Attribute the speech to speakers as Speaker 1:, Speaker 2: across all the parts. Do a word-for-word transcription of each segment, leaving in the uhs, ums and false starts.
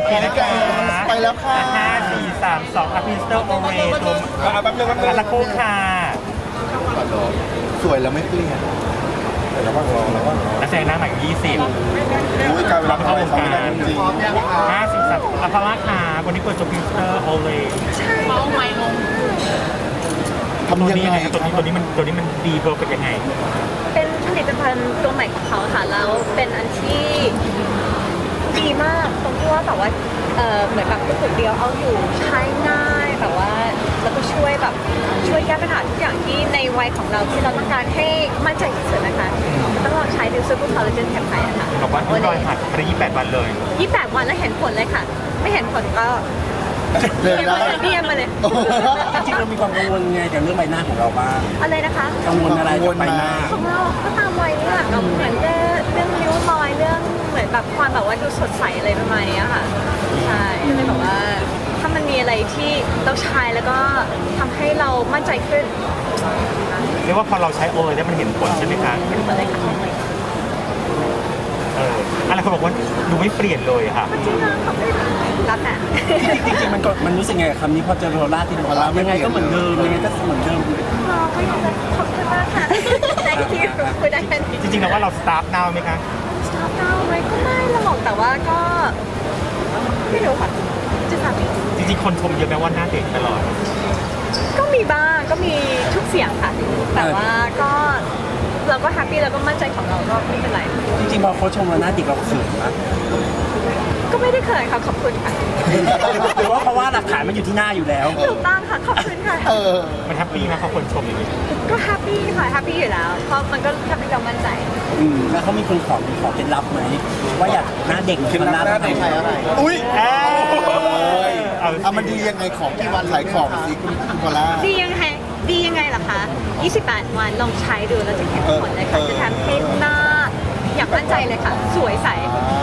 Speaker 1: เคนะคะ
Speaker 2: ไปแล้วค่ะ
Speaker 1: ห้าสี่สามสองอภิสเตอร์โอเรตัว
Speaker 2: อ่ะแป๊บนึงแป๊บนึง
Speaker 1: อาตะโคค่ะ
Speaker 2: สวยแล้วไม่เปลี่ยนระวังรอระวังรอ
Speaker 1: นักแสดงหน้าใหม่ยี่สิบ
Speaker 2: อุ้ยการเวลาเข้าเข้าไม่ได้จริง
Speaker 1: ห้าสี่สามอัพาราค่ะวันนี้เปิดตัวอภิสเตอร์โอเร
Speaker 3: เมาใหม่ลง
Speaker 2: ๆทำ
Speaker 1: ตัว
Speaker 2: ยัง
Speaker 1: นี้
Speaker 2: ไง
Speaker 1: ยังไงตัวนี้ตัวนี้มันตัวนี้มันดีเพอร์เฟกต์ยังไง
Speaker 3: เป็นผลิตภัณฑ์ตัวใหม่ของเขาค่ะแล้วเป็นอันที่ดีมากตรงที่ว่าแบบว่าเออเหมือนแบบกระปุกเดียวเอาอยู่ใช้ง่ายแบบว่าแล้วก็ช่วยแบบช่วยแก้ปัญหาทุกอย่างที่ในวัยของเราที่เราต้องการให้มั่นใจที่สุดนะคะต้องลองใช้ดูซูเปอร์คอลลาเจนแคมไพร์นะคะ
Speaker 1: บอกว่าที่รอยหักไปยี่สิบแปดวันเลย
Speaker 3: ยี่สิบแปดวันแล้วเห็นผลเลยค่ะ ไม่เห็นผลก็
Speaker 2: เดิน
Speaker 3: เรียน
Speaker 2: ได้
Speaker 3: มาเลยเรียนมาเลย
Speaker 4: จริงๆเรามีความกังวลไงกับเรื่องใบหน้าของเราบ้าง
Speaker 3: อะไรนะคะ
Speaker 4: กังวลอะไรกับใบหน้า
Speaker 3: ของเราก็ตามวัยนี่แหละก็เหมือนเรื่องเรื่องริ้วรอยเรื่องเหมือนแบบความแบบว่าดูสดใสอะไรประมาณนี้ค่ะ ใช่ก็เลยแบบว่าถ้ามันมีอะไรที่เราใช้แล้วก็ทำให้เรามั่นใจขึ้น
Speaker 1: เรียกว่าพอเราใช้โอเรได้มันเห็นผลใช่ไหมคะ
Speaker 3: เป็นอะไรค่ะ
Speaker 1: เอออะไรเขาบอกว่าดูไม่เปลี่ยนเลยค่ะ
Speaker 3: จริงนะขอบคุณรักอ่ะ
Speaker 4: จริงๆมันก็มันรู้สึกไงกับคำนี้พอเจอโรล่าที่บอกว่ายังไงก็เหมือนเดิมยังไงก็เหมือนเดิม
Speaker 3: เราก็อยากจะขอบคุณมากค่ะ thank you คุยได้แค่นี้
Speaker 1: จริงๆแล้วว่าเราสตาร์ทนาวไหมคะ
Speaker 3: สตาร์ทดาวน์ไหมก็ไม่หรอกแต่ว่าก็ไม่รู้ค่ะจะทำอีก
Speaker 1: จริงๆคนชมเยอะแม้ว่าหน้าเด็กตลอด
Speaker 3: ก็มีบ้างก็มีทุกเสียงค่ะ แต่ว่าก็เราก็แฮปปี้แล้วก็มั่นใจของเราก็ไม่เป็นไร
Speaker 4: จริงๆพอเขาชมเราหน้าเด็กเราเขินนะ
Speaker 3: ก็ไม่ได้เขินค่ะขอบคุณค่ะ
Speaker 4: หรือว่าเพราะว่าหลักฐานมันอยู่ที่หน้าอยู่แล้ว
Speaker 3: ถูกต้องค่ะขอบคุณค่ะ
Speaker 2: เออ
Speaker 1: มันแฮปปี้นะเขาคนชมอย่างนี้
Speaker 3: ก็แฮปปี้ค่ะแฮปปี้อยู่แล้วเพราะมันก็ทำให้เรามั่นใจ
Speaker 4: อืมแล้วเขามีคนขอขอเคล็ดลับไหมว่าอยากหน้าเด็กเหมือนหน้า
Speaker 2: หน้า
Speaker 4: ไท
Speaker 2: ไท
Speaker 4: ย
Speaker 2: ยอะไรอุ้ย
Speaker 1: เอ้ย
Speaker 2: เอามันดียังไงของที่วันขายของสิคุณคุณพอล่า
Speaker 3: ดียังไงดียังไงล่ะคะยี่สิบแปดวันลองใช้ดูแล้วจะเห็นผลเลยค่ะ
Speaker 2: เออ
Speaker 3: จะทำให้หน้าอยากมั่นใจเลยค่ะ สวยใส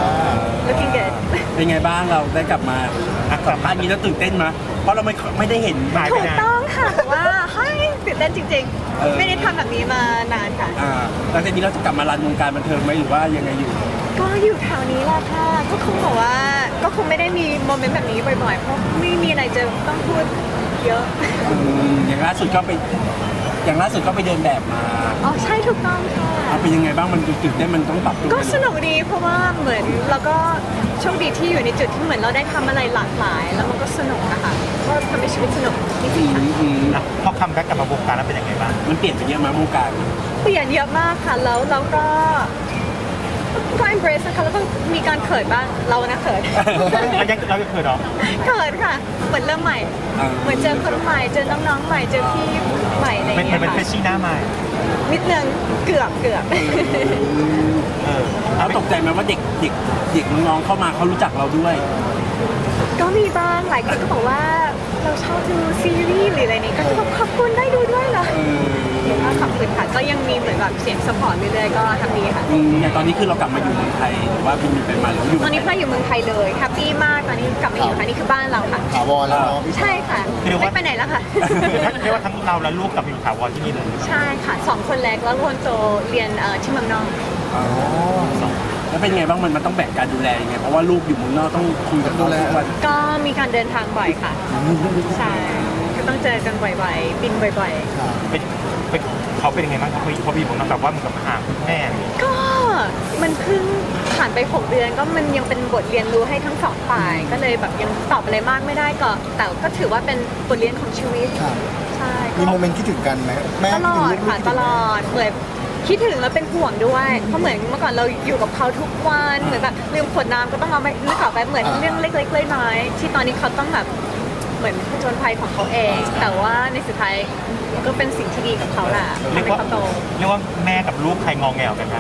Speaker 3: looking good
Speaker 4: เป็นไงบ้างเราได้กลับมาสัมภาษณ์นี้แล้วตื่นเต้นไหมเพราะเราไม่ไม่ได้เห็น
Speaker 1: หายไป
Speaker 3: ถูก
Speaker 1: นาน
Speaker 3: ต้องค่ะแต่ว่าเฮ้ยตื่นเต้นจริง
Speaker 4: เออ
Speaker 3: ๆ ไม่ได้ทำแบบนี้มานานค่ะ
Speaker 4: อ่าหลังจากนี้เราจะกลับมารันวงการบันเทิงไหมหรือว่ายังไงอยู่
Speaker 3: ก็อยู่แถวนี้แหละค่ะ ก็คงบอกว่าก็คงไม่ได้มีโมเมนต์แบบนี้บ่อยๆ เพราะไม่มีอะไรจะต้องพูดเยอะ
Speaker 4: อืมอย่างล่าสุดก็ไปอย่างล่าสุดก็ไปเดินแบบมา
Speaker 3: อ๋อใช่ถูกต้องค่ะ
Speaker 4: เอาเป็นยังไงบ้างมันตื่นเต้นมันต้องปรับตัว
Speaker 3: ก็สนุกดีเพราะว่าเหมือนเราก็โชคดีที่อยู่ในจุดที่เหมือนเราได้ทำอะไรหลากหลาย แล้วมันก็สนุกนะคะก็ทำให้ชีวิตสนุกจ
Speaker 4: อื
Speaker 3: ริงๆค่ะ
Speaker 4: มอืม
Speaker 1: แล้วพอคัมแบ็กกลับมาวงการแล้วเป็นยังไงบ้าง
Speaker 4: มันเปลี่ยนไปเยอะมากวงการ
Speaker 3: เปลี่ยนเยอะมากค่ะแล้วเราก็ก็ embrace นะคะแล้วก็มีการเขินบ้างเรานะเขิน
Speaker 1: เรายังเรายังเคยเนาะ
Speaker 3: เขินค่ะเหมือนเริ่มใหม่
Speaker 4: อ่า
Speaker 3: เหมือนเจอคนใหม่เจอน้องๆใหม่เจอพี่ใหม่อะไรอ
Speaker 1: เป็น
Speaker 3: ย่าง
Speaker 1: มั
Speaker 3: เงี้
Speaker 1: น
Speaker 3: ย
Speaker 1: เป็นเฟ
Speaker 3: ค่ะ
Speaker 1: ชชี่หน้าใหม่
Speaker 3: นิดนึงเกือบเกือบ
Speaker 1: เออ
Speaker 4: เราตกใจไหมว่าเด็กเด็กเด็กน้องๆเข้ามาเขารู้จักเราด้วย
Speaker 3: ก็มีบ้างหลายคนก็บอกว่าเราชอบดูซีรีส์หรืออะไรนี้ก็จะบอกขอบคุณได้ดูด้วยเหรอก็ขอบคุณค่ะก็ยังมีเหมือนแบบเสียงสปอร์ตเรื่อยๆก็ทำดีค่ะ
Speaker 4: อืมอย่างตอนนี้คือเรากลับมาอยู่เมืองไทยหรือว่าบินไปมาหรือว่าอยู่
Speaker 3: ตอนนี้พลอยอยู่เมืองไทยเลยแฮปปี้มากตอนนี้กลับมาอยู่ค่ะนี่คือบ้านเราค่ะ
Speaker 2: ถาวรแล้วเนาะ
Speaker 3: ใช่ค่ะไม่ไปไหนแล้วค่ะ
Speaker 1: เรียกว่าทั้งเราและลูกกลับมาอยู่ถาวรที่นี่เลย
Speaker 3: ใช่ค่ะสองคนแรกแล้วคนโตเรียนเอ่อที่เมืองนอก
Speaker 4: อ๋อแล้วเป็นไงบ้างมันมันต้องแบ่งการดูแลยังไงเพราะว่าลูกอยู่เมืองนอกต้องคุยกับเขาทุกวัน
Speaker 3: ก็มีการเดินทางบ่อยค่ะใช่ก็ต้องเจอกันบ่อยๆบินบ่อยๆ
Speaker 1: เป็นเป็นเขาเป็นยังไงบ้างเขาเขาพี่ผมนะแบบว่ามันกับห่างแม่เนี่ย
Speaker 3: ก็มันเพิ่งผ่านไปหกเดือนก็มันยังเป็นบทเรียนรู้ให้ทั้งสองฝ่าย ก็เลยแบบยังตอบอะไรมากไม่ได้ก็แต่ก็ถือว่าเป็นบทเรียนของชีวิต
Speaker 2: ค่ะ
Speaker 3: ใช่
Speaker 2: มีโมเมนต์คิดถึงกันไหมแม่
Speaker 3: ตลอด
Speaker 2: คิดถึงลูก
Speaker 3: ค่ะ
Speaker 2: คิด
Speaker 3: ต
Speaker 2: ถึง
Speaker 3: ลอดเหมือนคิดถึงแล้วเป็นห่วงด้วยเพราะเหมือนเมื่อก่อนเราอยู่กับเขาทุกวันเหมือนแบบลืมขวดน้ำก็ต้องเอาไปนึกออกไปเหมือนเรื่องเล็กๆน้อยๆที่ตอนนี้เขาต้องแบบเหมือนผจญภัยของเขาเอง แต่ว่าในสุดท้ายมันก็เป็นสิ่งที่ดีกับเขาแหละ
Speaker 1: เรีย
Speaker 3: ทำ
Speaker 1: ก
Speaker 3: ให้
Speaker 1: ว่า
Speaker 3: เขาโต
Speaker 1: เรียกว่าแม่กับลูกใครงอแงวกันคะ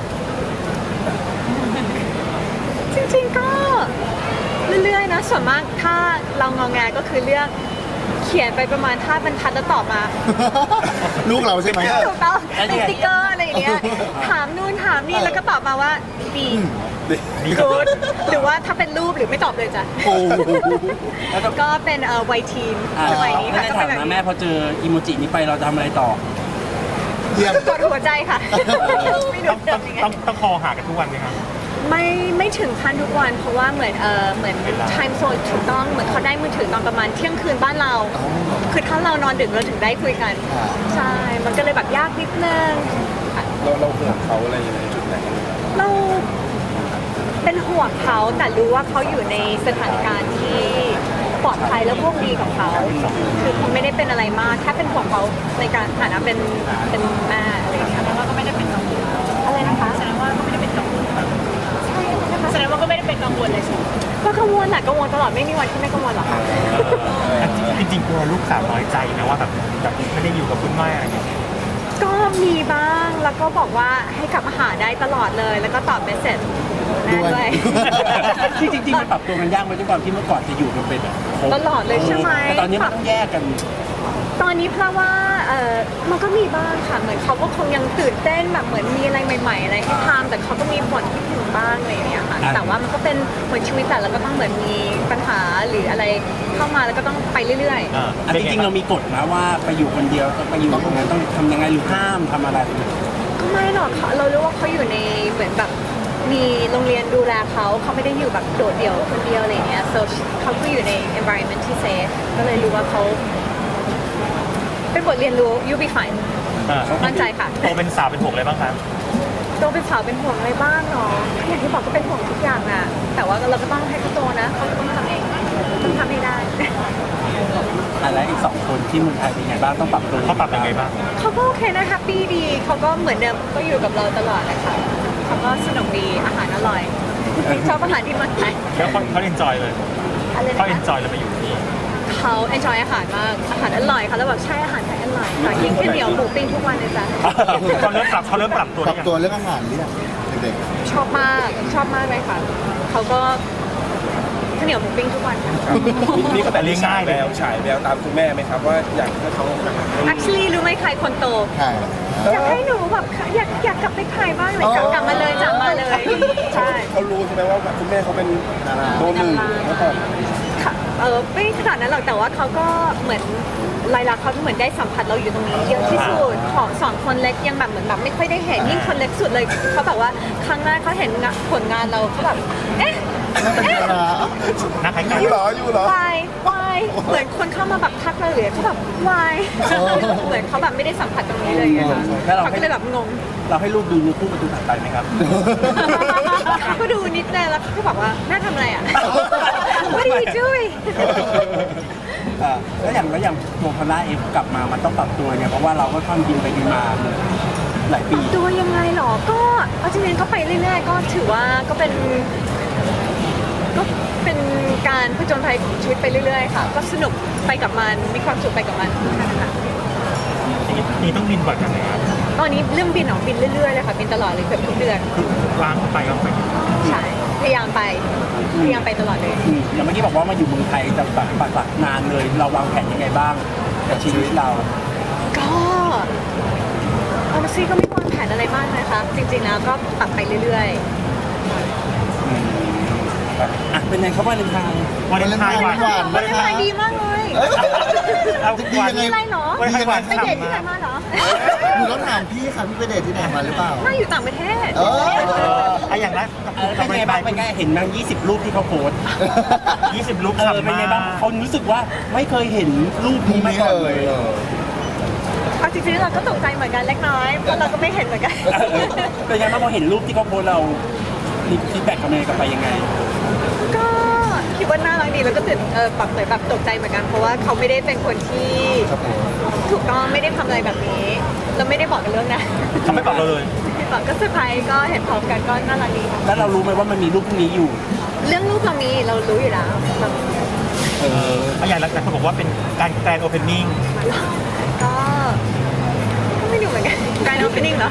Speaker 3: จริงๆก็เรื่อยๆนะส่วนมากถ้าเรางอแงก็คือเลือกเขียนไปประมาณท่าบรรทัดแล้วตอบมา
Speaker 2: ลูกเราใช่ไหม
Speaker 3: ถูกต้องเป็นสติกเกอร์อะไรอย่างเงี้ยถามนู่นถามนี่แล้วก็ตอบมาว่าดี
Speaker 1: ดีกับ
Speaker 3: กูดหรือว่าถ้าเป็นรูปหรือไม่ตอบเลยจ้ะ
Speaker 2: โอ้โห
Speaker 4: แล้วก็
Speaker 3: ก็เป็นเอ่อวัยทีน
Speaker 4: อ่า
Speaker 3: สมัยนี้
Speaker 4: ไม่
Speaker 3: ค่ะ
Speaker 4: ได้
Speaker 3: ก็
Speaker 4: ถา
Speaker 3: เป็นแบบ
Speaker 4: มนะแม่
Speaker 3: นี้
Speaker 4: พอเจออีโมจินี้ไปเราจะทำอะไรต่อ
Speaker 2: เยี่ยม
Speaker 3: กดหัวใจค่ะไม่รู้
Speaker 1: ต้อง
Speaker 3: จะ
Speaker 1: ต้อง
Speaker 3: ยังไง
Speaker 1: ต้องต้องคอหากันทุกวันไหมครับ
Speaker 3: ไม่ไม่ถึงขั้นทุกวันเพราะว่าเหมือนเออเหมือน time zone ถูกต้องเหมือนเขาได้มือถือตอนประมาณเที่ยงคืนบ้านเรา คือถ้าเรานอนดึกเราถึงได้คุยกัน ใช่ มันก็เลยแบบยากนิดนึง
Speaker 2: เราเราห่วงเขาอะไรยังไงจุดไหน
Speaker 3: เราเป็นห่วงเขาแต่รู้ว่าเขาอยู่ในสถานการณ์ที่ปลอดภัยและโชคดีของเขา คือเขาไม่ได้เป็นอะไรมากแค่เป็นห่วงเขาในการฐานะเป็นเป็นแม่อะไรอย่างเงี้ย
Speaker 5: แสดงว่าก็ไม่ได้เป็นกังวล
Speaker 3: อะไรนะคะ
Speaker 5: แสดงว่าก็ไม่ได้เป็นกังวล
Speaker 3: ใช่นะคะ
Speaker 5: แสดงว่าก็ไม่ได้เป็นกังวลเลยใช่ไหม
Speaker 3: ก็กังวลแหละกังวลตลอดไม่มีวันที่ไม่กังวลหรอกค่ะ
Speaker 1: จริงๆกลัวลูกสาวน้อยใจนะว่าแบบแบบไม่ได้อยู่กับคุณแม่อะไรอย่างเงี้ย
Speaker 3: ก็มีบ้างแล้วก็บอกว่าให้กลับมาหาได้ตลอดเลย แล้วก็ตอบเมสเซจแม่ด้วย
Speaker 4: ที่จริงๆมันปรับตัวกันยากไหมด้วยความที่เมื่อก่อนจะอยู่กันเป็นแบบครบ
Speaker 3: ตลอดเลยใช่ไหม
Speaker 4: แต่ตอนนี้มันต้องแยกกัน
Speaker 3: ตอนนี้เพราะว่าเออมันก็มีบ้างค่ะ เหมือนเขาก็คงยังตื่นเต้นแบบเหมือนมีอะไรใหม่ ๆ อะไรให้ทำแต่เขาก็มีผลที่ถึงบ้างอะไรอย่างเงี้ยค่ะ
Speaker 4: อ่ะ
Speaker 3: แต่ว่ามันก็เป็นเหมือนชีวิตแต่แล้วก็ต้องเหมือนมีปัญหาหรืออะไรเข้ามาแล้วก็ต้องไปเรื่อย
Speaker 1: อ่า
Speaker 4: อันจริงๆเรามีกฎนะว่าไปอยู่คนเดียวไปอยู่ตรงนั้นต้องทำยังไงหรือห้ามทำอะไร
Speaker 3: ๆก็ไม่หรอกค่ะเรารู้ว่าเขาอยู่ในเหมือนแบบมีโรงเรียนดูแลเขาเขาไม่ได้อยู่แบบโดดเดี่ยวคนเดียวอะไรอย่างเงี้ย so เขาก็อยู่ใน environment ที่ safe ก็เลยรู้ว่าเขาเป็นบทเรียนรู้ you be fine
Speaker 1: อ่า
Speaker 3: มั่นใจค่ะ
Speaker 1: โตเป็นสาวเป็นหกเลยบ้างครับ
Speaker 3: โตเป็นสาวเป็นห่วงอะไรบ้างเนาะอย่างที่บอกก็เป็นห่วงทุกอย่างอะแต่ว่าเราก็ต้องให้เขาโตนะเขาต้องทำเองต้องทำให้ได้
Speaker 4: อะไรอีกสองคนที่เมืองไทยเป็นไงบ้างต้องปรับตัว
Speaker 1: เขาปรับยังไงบ้าง
Speaker 3: เขาก็โอเคนะแฮปปี้ดีเขาก็เหมือนเดิมก็อยู่กับเราตลอดนะคะเขาก็สนุกดีอาหารอร่อยชอบอาหารที่เมืองไทย
Speaker 1: แล้วเขาเขาเอนจอยเลย
Speaker 3: อะไร
Speaker 1: เขา
Speaker 3: นะ
Speaker 1: เอน
Speaker 3: คะ
Speaker 1: จอยเลยไปอยู่ที่นี่
Speaker 3: เขาเอนจอยอาหารมากอาหารอร่อยค่ะแล้วแบบใช่อาหารไทยอร่อยค่ะยิ่งข้าวเหนียวหมูปิ้งทุกวันเลยจ้ะ
Speaker 1: เขาเริ่มปรับเขาเริ่มปรับตัว
Speaker 2: ป
Speaker 1: ได้
Speaker 2: รับ
Speaker 1: ยัง
Speaker 2: ตัวเรื่องอาหารเรียกเด็ก
Speaker 3: ชอบมากชอบมากเลยค่ะเขาก็ข้าวเหนียวหมูปิ้งทุกวันค่ะ
Speaker 6: นี่ก็แต่เลี้ยงง่ายแล้วฉายแววตามคุณแม่ไหมครับว่าอยากให้เขา
Speaker 3: actually รู้ไหมใครคนโต
Speaker 2: ๆใช่
Speaker 3: อยากให้หนูแบบอยากอยากกลับไปถ่ายบ้างเลยกลับกลับมาเลยจับมาเลย ใช่
Speaker 6: เขารู้ใช่ไหมว่าคุณแม่เขาเป็นโดนหนึ่งเมื่อก่อน
Speaker 3: ค่ะเออไม่ขนาดนั้นหรอกแต่ว่าเขาก็เหมือนลายลักษณ์เขาเหมือนได้สัมผัสเราอยู่ตรงนี้เยอะที่สุดของสองคนเล็กยังแบบเหมือนแบบไม่ค่อยได้เห็นยิ่งคนเล็กสุดเลยเขาแบบว่าครั้งแรกเขาเห็นผลงานเราเขาแบบเอ๊ะ
Speaker 2: นั่นเป็น
Speaker 3: เอ๊ะ
Speaker 2: ดารา
Speaker 1: นักขายไก่
Speaker 6: อยู่เหรออยู่เหรอ
Speaker 3: วายวายเหมือนคนเข้ามาแบบทักเราเลยเขาแบบวายเหมือนเขาแบบไม่ได้สัมผัสตรงนี้เลยไงคะเขาก็เลยแบบงง
Speaker 4: เราให้ลูกดูยูทูบประตูถัดไปไหมครับ
Speaker 3: เขาก็ดูนิดนึงแล้วเขาก็บอกว่าแม่ทำอะไรอ่ะ What are you doing
Speaker 4: เอ่อแล้วอย่างแล้วอย่างตัวพอลล่าเองกลับมามันต้องปรับตัวเนี่ยเพราะว่าเราก็ค่อนบินไปบินมาหลายปี
Speaker 3: ตัวยังไงหรอ ก็เอาจริงๆก็ไปเรื่อยๆ ก็ถือว่าก็เป็น ก็เป็นการผจญภัยของชีวิตไปเรื่อยๆ ค่ะ ก็สนุกไปกับมัน มีความสุขไปกับมันแค่นั้นค่ะ
Speaker 1: นี่ต้องบินบ่อยกันไหมครับ
Speaker 3: ตอนนี้เรื่องบินออกบินเรื่อยๆ เลยค่ะ บินตลอดเลยเกือบทุกเดือน
Speaker 1: ล้างไปก็ไป
Speaker 3: ใช่ พยายามไป พยายามไปตลอดเลย
Speaker 4: อืมอย่างเมื่อกี้บอกว่ามาอยู่เมืองไทยจะแบบปักหลักนานเลย เราวางแผนยังไงบ้างกับชีวิตเรา
Speaker 3: ก็เอามาซีก็ไม่วางแผนอะไรมากนะคะ จริงๆ แล้วก็ปรับไปเรื่อยๆ
Speaker 4: อ่ะเป็นไงครับวาเลนไทน์
Speaker 1: วันเลนไทน์หวาน
Speaker 2: หวาน
Speaker 3: วันนี้ไปดีมากเลย
Speaker 1: เอา
Speaker 2: ดี
Speaker 1: วัน
Speaker 2: ยังไง
Speaker 3: มีอะไรเหรอ
Speaker 1: วันไทน์หวาน
Speaker 3: ไปเดทที่ไหน
Speaker 1: ฉ่ำ
Speaker 3: มาเหรอ
Speaker 2: หนูต้องถามพี่ค่ะพี่ไปเดทที่ไหนมาหรือเปล่า
Speaker 3: น่าอยู่ต่างประเทศ
Speaker 2: เออ
Speaker 1: เออไอะอย่างแรก
Speaker 4: เออเป็นไงบ้างเป็นไงเห็นมั้งยี่สิบรูปที่เขาโพสต์
Speaker 1: ยี่สิบลุก
Speaker 4: เออ
Speaker 1: ฉ่ำ
Speaker 4: เป็น
Speaker 1: มา
Speaker 4: ไงบ้าง
Speaker 1: ก
Speaker 4: เขารู้สึกว่าไม่เคยเห็นรูปนี้มา
Speaker 2: นี่
Speaker 4: ก่อน
Speaker 2: เล
Speaker 4: เลย ย
Speaker 2: เออ
Speaker 3: เอาจริงๆเราก็ตกใจเหมือนกันเล็กน้อย เพราะเราก็ไม่เห็นเหมือนกัน
Speaker 4: เป็นไงบ้างพอเห็นรูปที่เขาโพสต์เรามีฟีดแบ็กกลับมากลับไปยังไง
Speaker 3: ก็คิดว่าน่ารักดีแล้วก็ตื่นเออแบบเหมือนแบบตกใจเหมือนกัน เพราะว่าเขาไม่ได้เป็นคนที่
Speaker 2: ครับผม
Speaker 3: ถูกต้องไม่ได้ทำอะไรแบบนี้ เราไม่ได้บอกกันเรื่องนะ
Speaker 1: เขาไม่บอกเราเลย
Speaker 3: บอกก็เซอร์ไพรส์ก็เห็นพร้อมกันก็น่ารักดีค่ะ
Speaker 4: แล้วเรารู้ไหมว่ามันมีรูปพวกนี้อยู่
Speaker 3: เรื่องรูปเรามีเรารู้อยู่แล้วแบบ
Speaker 1: เออเอาอย่างแรกเขาบอกว่าเป็นการแกรนด์โอเพนนิ่ง
Speaker 3: ก็ก็ไม่รู้เหมือนกันการโอเพนนิ่งเหรอ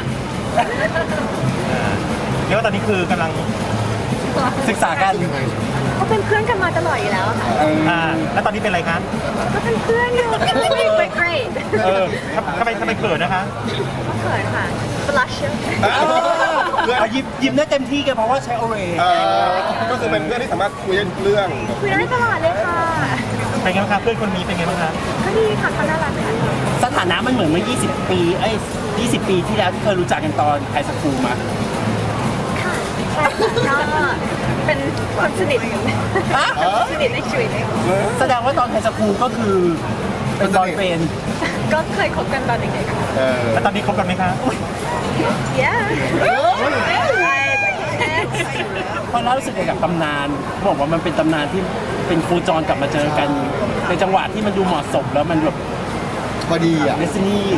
Speaker 1: เรียกว่าตอนนี้คือกำลัง
Speaker 4: ศึกษากัน
Speaker 2: ยังไง
Speaker 3: ก็เป็นเพื่อนกันมาตลอดอยู่แล้วอะค่ะ
Speaker 2: เออ
Speaker 1: อ่าแล้วตอนนี้เป็นอะไรคะ
Speaker 3: ก็เป็นเพื่อนอยู่ไปเกรด
Speaker 1: เออทำไมทำไมเกิดนะคะ
Speaker 3: ก็เขินค่ะ blush เยอะ
Speaker 4: เอายิ้มยิ้มได้เต็มที่กันเพราะว่าใช้โอเร
Speaker 6: เออก็คือเป็นเพื่อนที่สามารถคุยได้ทุกเรื่อง
Speaker 3: คุยได้ตลอดเลยค่ะ
Speaker 1: เป็นไงบ้างคะเพื่อนคนนี้เป็นไงบ้างคะ
Speaker 3: ก็ดีค่ะเขาน่ารักค่ะ
Speaker 4: สถานะมันเหมือนเมื่อยี่สิบ ปี เอ้ย ยี่สิบ ปีที่แล้วที่เคยรู้จักกันตอนไฮสคูลมา
Speaker 3: ค่ะใช่ค่ะก็เป็นคนสนิทสนิทในชีวิต
Speaker 4: แสดงว่าตอนไฮสคูลก็คือเป็นบอยเฟรนด์
Speaker 3: ก็เคยคบกันตอนเด็กๆค่ะ
Speaker 2: เออ
Speaker 1: แล้วตอนนี้คบกันไหมคะ
Speaker 3: yeah
Speaker 4: พอเล่ารู้สึกไงกับตำนานเขาบอกว่ามันเป็นตำนานที่เป็นครูจรกลับมาเจอกันในจังหวะที่มันดูเหมาะสมแล้วมันแบบ
Speaker 2: พอดีอ่ะ
Speaker 4: เดซินี่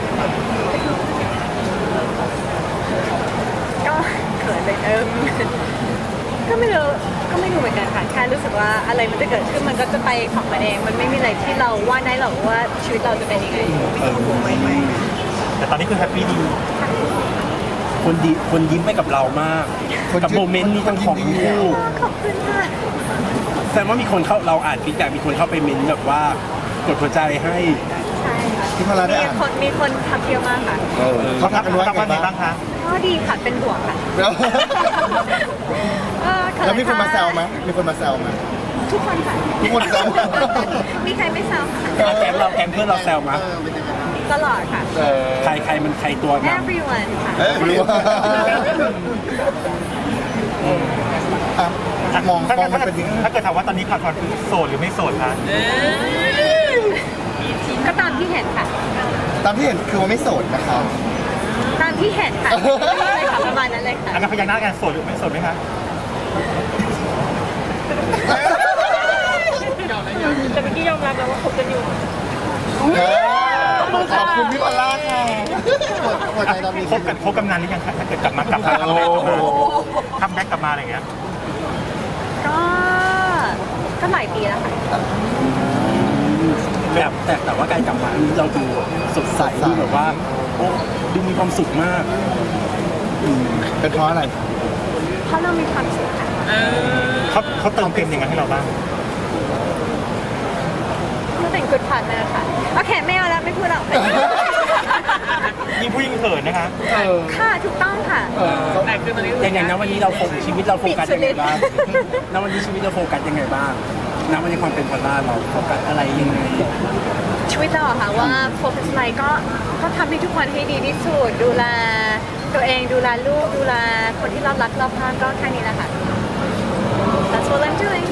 Speaker 3: ก็เขินเลยเอิมก็ไม่รู้ก็ไม่รู้เหมือนกันค่ะแค่รู้สึกว่าอะไรมันจะเกิดขึ้นมันก็จะไปของมันเองมันไม่มีอะไรที่เราว่าได้หรอกว่าชีวิตเราจะเป็นยังไง
Speaker 1: แต่ตอนนี้คือแฮปปี้ดี
Speaker 4: คนดีคนยิ้มไปกับเรามาก
Speaker 2: คน
Speaker 4: กับ
Speaker 2: ยิ้ม
Speaker 4: โมเมนต์นี้ทั้งของ
Speaker 2: คนยิ้มดี
Speaker 4: คู่
Speaker 3: ขอบคุณค่ะ
Speaker 4: แสดงว่ามีคนเข้าเราอ่านฟีดแบ็กมีคนเข้าไปเมนต์แบบว่ากดหัวใจให้
Speaker 3: ใช่ค่ะ
Speaker 2: ที่พลาได้
Speaker 3: มี
Speaker 2: อ่าน
Speaker 3: คนมีคนทักเยอะมากค่ะ
Speaker 2: เออเขาทักกันว่า
Speaker 1: ทักว่า
Speaker 2: ไง
Speaker 1: ไง
Speaker 2: บ้า
Speaker 1: บ้าง งคะ
Speaker 3: ก็ดีค่ะเป็นห่วงค่ะ
Speaker 2: แล้ว
Speaker 3: เออเขิ
Speaker 2: แล้วมีคนมาแซวไหมมีคนมาแซวไหม
Speaker 3: ทุกคนค่ะ
Speaker 2: ทุกคนแซว
Speaker 3: มีใครไม่แซวค่ะ
Speaker 4: อ่ะแกมเราแกมเพื่อนเราแซวมา
Speaker 3: ตลอดค่ะ
Speaker 2: เออ
Speaker 4: ใครใครมันใครตัวน
Speaker 3: everyone ค่ะ
Speaker 2: เอ้ยรู้ว่าอ่ะมอง
Speaker 1: ถ้าม
Speaker 2: อง
Speaker 1: ถ้า
Speaker 2: มันเป็นยังไง
Speaker 1: ถ้าเกิดถามว่าตอนนี้ขาดความคือโสดหรือไม่โสดคะ
Speaker 3: ก็ตามที่เห็นค่ะ
Speaker 2: ตามที่เห็นคือว่าไม่โสดนะคะ
Speaker 3: ตามที่เห็นค่ะเลยค่ะประมาณนั้นเลยค่ะ
Speaker 1: อันนั้นพยักหน้ากันโสดหรือไม่โสดไหมคะ
Speaker 5: แต่เมื่อกี้ยอมรับแล้วว่าคบกันอยู่
Speaker 2: เออขอบคุณพี่พลาค่ะหัวใจตอนนี้
Speaker 1: คบกันคบกันนานหรือยังคะถ้าเกิดกลับมากลับมาทำแบ็กกลับมาอะไรอย่างเงี้ย
Speaker 3: ก็ก็หลายปีแล้วค่ะ
Speaker 4: แต่แต่แต่ว่าการกลับมาอันนี้เราดูสดใสดูแบบว่าโอ้ดูมีความสุขมาก
Speaker 2: เป็นเพราะอะไร
Speaker 3: เพราะเรามีความสุขค่ะ
Speaker 1: เขาเขาเติมเต็มยังไงให้เราบ้าง
Speaker 3: ก็เป็น good partner ค่ะโอเคไม่เอาแล้วไม่พูดแล้ว
Speaker 1: ยิ่งผู้ยิ่งเขินนะคะ
Speaker 3: ค่ะถูกต้องค่ะ
Speaker 5: แต่คือตอนนี้
Speaker 4: อย่างอย่างนั้นวันนี้เราโฟกัสชีวิตเราโฟกัสยังไงบ้างณวันนี้ชีวิตเราโฟกัสยังไงบ้างณวันนี้ความเป็นพอลล่าเราโฟกัสอะไรยังไง
Speaker 3: ชีวิตเราอะค่ะว่าโฟกัสอะไรก็ก็ทำให้ทุกคนให้ดีที่สุดดูแลตัวเองดูแลลูกดูแลคนที่เรารักเราพาก็แค่นี้แหละค่ะ That's what I'm doing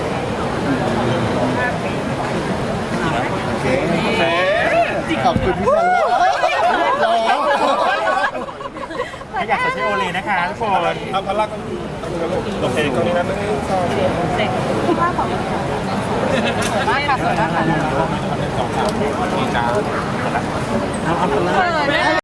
Speaker 2: โอเคขอบคุณพี่พลารอ
Speaker 1: ถ้าอยากจะใช้โอเลนะคะทุกคน
Speaker 6: เอาพลังโอเคตรงนี้นะหนึ่งสอง
Speaker 3: มากค่ะสวยมากค่ะ
Speaker 4: เอาเอาพอลล่า